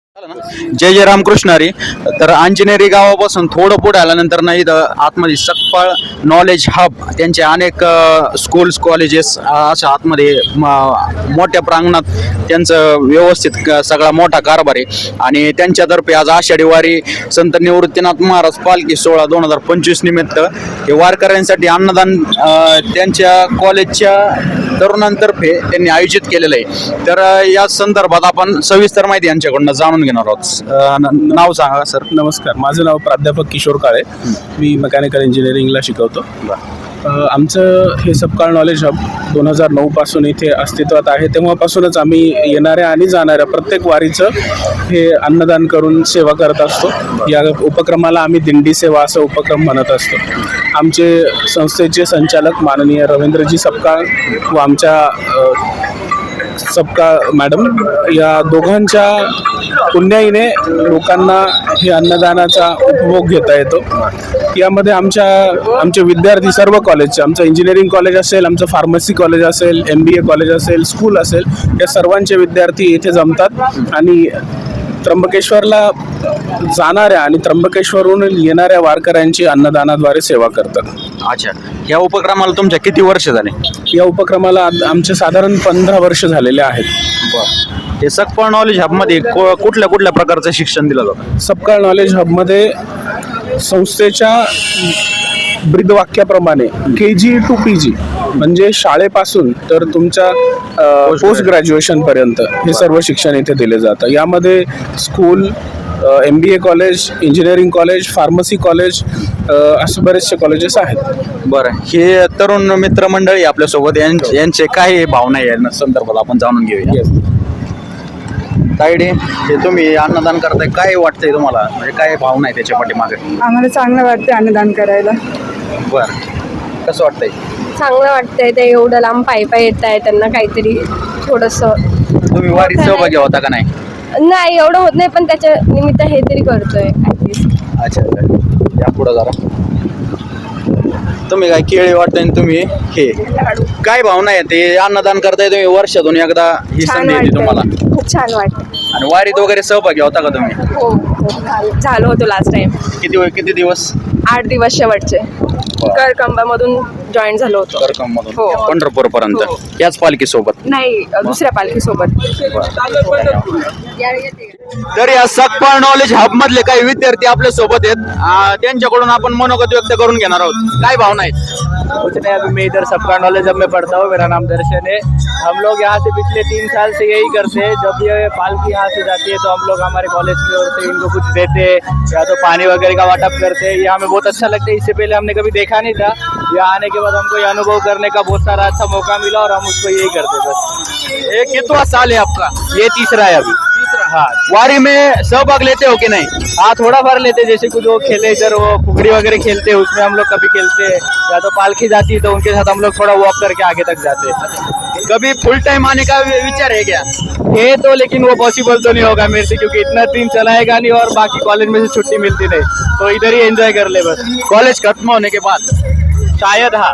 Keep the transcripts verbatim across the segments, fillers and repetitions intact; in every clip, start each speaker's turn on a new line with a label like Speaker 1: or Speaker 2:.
Speaker 1: जय जय रामकृष्ण हरी. तर अंजनेरी गावापासून थोडं पुढे आल्यानंतर नाही तर आतमध्ये सकपाळ नॉलेज हब त्यांचे अनेक स्कूल्स कॉलेजेस अशा आतमध्ये म- मोठ्या प्रांगणात त्यांचं व्यवस्थित क- सगळा मोठा कारभार आहे. आणि त्यांच्यातर्फे आज आषाढी वारी संत निवृत्तीनाथ महाराज पालखी सोहळा दोन हजार पंचवीस निमित्त हे वारकऱ्यांसाठी अन्नदान अ, त्यांच्या कॉलेजच्या तरुणांतर्फे त्यांनी आयोजित केलेलं आहे. तर अ, या संदर्भात आपण सविस्तर माहिती यांच्याकडून जाणून घेणार आहोत. अ, न- नाव सांगा सर.
Speaker 2: नमस्कार, माझं नाव प्राध्यापक किशोर काळे. मी मेकॅनिकल इंजिनिअरिंगला शिकवतो. अ, आमचं हे सबकाळ नॉलेज हब दोन हजार नऊपासून इथे अस्तित्वात आहे. तेव्हापासूनच आम्ही येणाऱ्या आणि जाणाऱ्या प्रत्येक वारीचं हे अन्नदान करून सेवा करत असतो. या उपक्रमाला आम्ही दिंडी सेवा असं उपक्रम म्हणत असतो. आमचे संस्थेचे संचालक माननीय रवींद्रजी सबकाळ व आमच्या अ, सबका मॅडम या दोघांच्या पुण्याईने लोकांना हे अन्नदानाचा उपभोग घेता येतो. यामध्ये आमच्या आमचे विद्यार्थी सर्व कॉलेजचे, आमचं इंजिनिअरिंग कॉलेज असेल, आमचं फार्मसी कॉलेज असेल, एम बी ए कॉलेज असेल, स्कूल असेल, या सर्वांचे विद्यार्थी इथे जमतात आणि त्र्यंबकेश्वरला जाणाऱ्या आणि त्र्यंबकेश्वरहून येणाऱ्या वारकऱ्यांची अन्नदानाद्वारे सेवा करतात.
Speaker 1: अच्छा, या उपक्रमाला तुमच्या किती वर्ष झाले?
Speaker 2: या उपक्रमाला आद- आमचे साधारण पंधरा वर्ष झालेले आहेत.
Speaker 1: हे सकपाळ नॉलेज हबमध्ये को- कुठल्या कुठल्या प्रकारचं शिक्षण दिलं जातं?
Speaker 2: सबकाळ नॉलेज हबमध्ये संस्थेच्या ब्रीदवाक्याप्रमाणे के जी टू पी जी म्हणजे शाळेपासून तर तुमच्या पोस्ट ग्रॅज्युएशनपर्यंत हे सर्व शिक्षण इथे दिले जातं. यामध्ये school, M B A college, engineering college, pharmacy college असे बरेचसे कॉलेजेस आहेत.
Speaker 1: बरं, हे तरुण मित्रमंडळी आपल्यासोबत यां- यांचे काय भावना आहे या संदर्भात आपण जाणून घेऊया. तायडे, हे तुम्ही अन्नदान करताय, काय वाटतंय तुम्हाला? म्हणजे काय भावना आहे त्याच्या पाठीमागे?
Speaker 3: आम्हाला चांगलं वाटतं अन्नदान करायला.
Speaker 1: बरं, कसं वाटतंय?
Speaker 4: चांगलं वाटतंय. ते एवढं लांब पायी पायी येत आहे, त्यांना काहीतरी थोडंसं
Speaker 1: तुम्ही वारीत सहभागी होता का नाही?
Speaker 4: नाही एवढं होत नाही, पण त्याच्या निमित्त हे तरी करतोय ॲटलिस्ट.
Speaker 1: अच्छा अच्छा, या पुढं जरा. तुम्ही काय केळी वाटतंय आणि तुम्ही हे काय भावना आहे? ते अन्नदान करताय तुम्ही, वर्षातून एकदा ही
Speaker 4: छान
Speaker 1: संधी येते तुम्हाला.
Speaker 4: वाटतंय, खूप छान वाटतं.
Speaker 1: आणि वारीत वगैरे सहभागी होता का तुम्ही?
Speaker 4: हो हो, झालो होतो लास्ट टाइम.
Speaker 1: किती वेळ किती दिवस?
Speaker 4: आठ दिवस शेवटचे करकंबामधून जॉईन झालो होतो.
Speaker 1: करकम मधून
Speaker 4: हो.
Speaker 1: पंढरपूर पर्यंत
Speaker 4: हो.
Speaker 1: याच पालखी सोबत?
Speaker 4: नाही, दुसऱ्या पालखीसोबत.
Speaker 1: तर या सकपाळ नॉलेज हब मधले काही विद्यार्थी आपल्या सोबत आहेत. आ, त्यांच्याकडून आपण मनोगत व्यक्त करून घेणार आहोत. काय भावना आहेत?
Speaker 5: कुछ नहीं, अभी मैं इधर सबका नॉलेज हब में पढ़ता हूँ. मेरा नाम दर्शन है. हम लोग यहाँ से पिछले तीन साल से यही करते हैं. जब ये पालकी यहाँ से जाती है तो हम लोग हमारे कॉलेज की ओर से इनको कुछ देते हैं या तो पानी वगैरह का वाटप करते हैं. ये हमें बहुत अच्छा लगता है. इससे पहले हमने कभी देखा नहीं था. यहाँ आने के बाद हमको ये अनुभव करने का बहुत सारा अच्छा मौका मिला और हम उसको यही करते बस.
Speaker 1: ये कितना साल है आपका?
Speaker 5: ये तीसरा है अभी. हाँ,
Speaker 1: वारी में सहभाग लेते हो कि नहीं?
Speaker 5: हाँ थोड़ा बार लेते हैं. जैसे कुछ वो खेले इधर वो फुगड़ी वगैरह खेलते हैं, उसमें हम लोग कभी खेलते हैं. या तो पालकी जाती है तो उनके साथ हम लोग थोड़ा वॉक करके आगे तक जाते हैं.
Speaker 1: कभी फुल टाइम आने का वि- विचार है क्या?
Speaker 5: है तो, लेकिन वो पॉसिबल तो नहीं होगा मेरे से, क्योंकि इतना दिन चलाएगा नहीं और बाकी कॉलेज में से छुट्टी मिलती नहीं. तो इधर ही एंजॉय कर ले बस.
Speaker 1: कॉलेज खत्म होने के बाद
Speaker 5: शायद हाँ.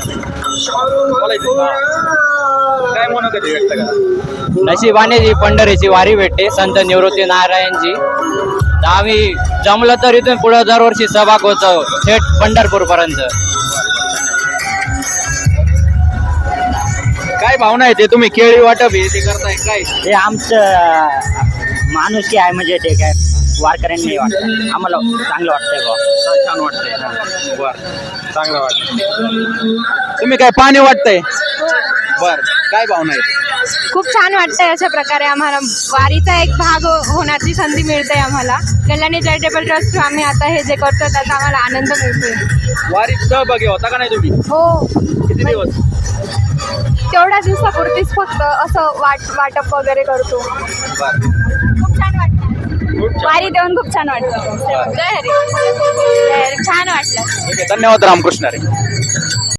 Speaker 1: काय मनोगत व्यक्त करा?
Speaker 6: नशिबाने जी पंढरीची वारी भेटते संत निवृत्ती नारायणजी. तर आम्ही जमलं तर इथून पुढे दरवर्षी सहभाग होतो थेट पंढरपूर पर्यंत.
Speaker 1: काय भावना आहे? ते तुम्ही केळी वाटप हे ते करताय काय?
Speaker 6: हे आमचं माणुसकी आहे, म्हणजे ते काय वारकऱ्यांनी वाटतं आम्हाला चांगलं वाटतंय बा.
Speaker 1: छान वाटतंय. बर, चांगलं वाटतंय. तुम्ही काय पाणी वाटतंय? बर, काय भावना आहे?
Speaker 4: खूप छान वाटतंय. अशा प्रकारे आम्हाला वारीचा एक भाग होण्याची संधी मिळते. आम्हाला कल्याणी चॅरिटेबल ट्रस्ट आम्ही आता हे जे करतो त्याचा आम्हाला आनंद मिळतोय.
Speaker 1: वारीत सहभागी होता का नाही तुम्ही?
Speaker 4: हो,
Speaker 1: किती दिवस?
Speaker 4: तेवढ्या दिवसापुरतीच फक्त असं वाट वाटप वगैरे करतो. खूप छान वाटतं. वारी देऊन खूप छान वाटतं. जय हरी. जय हरी. छान वाटलं.
Speaker 1: धन्यवाद रामकृष्ण रे.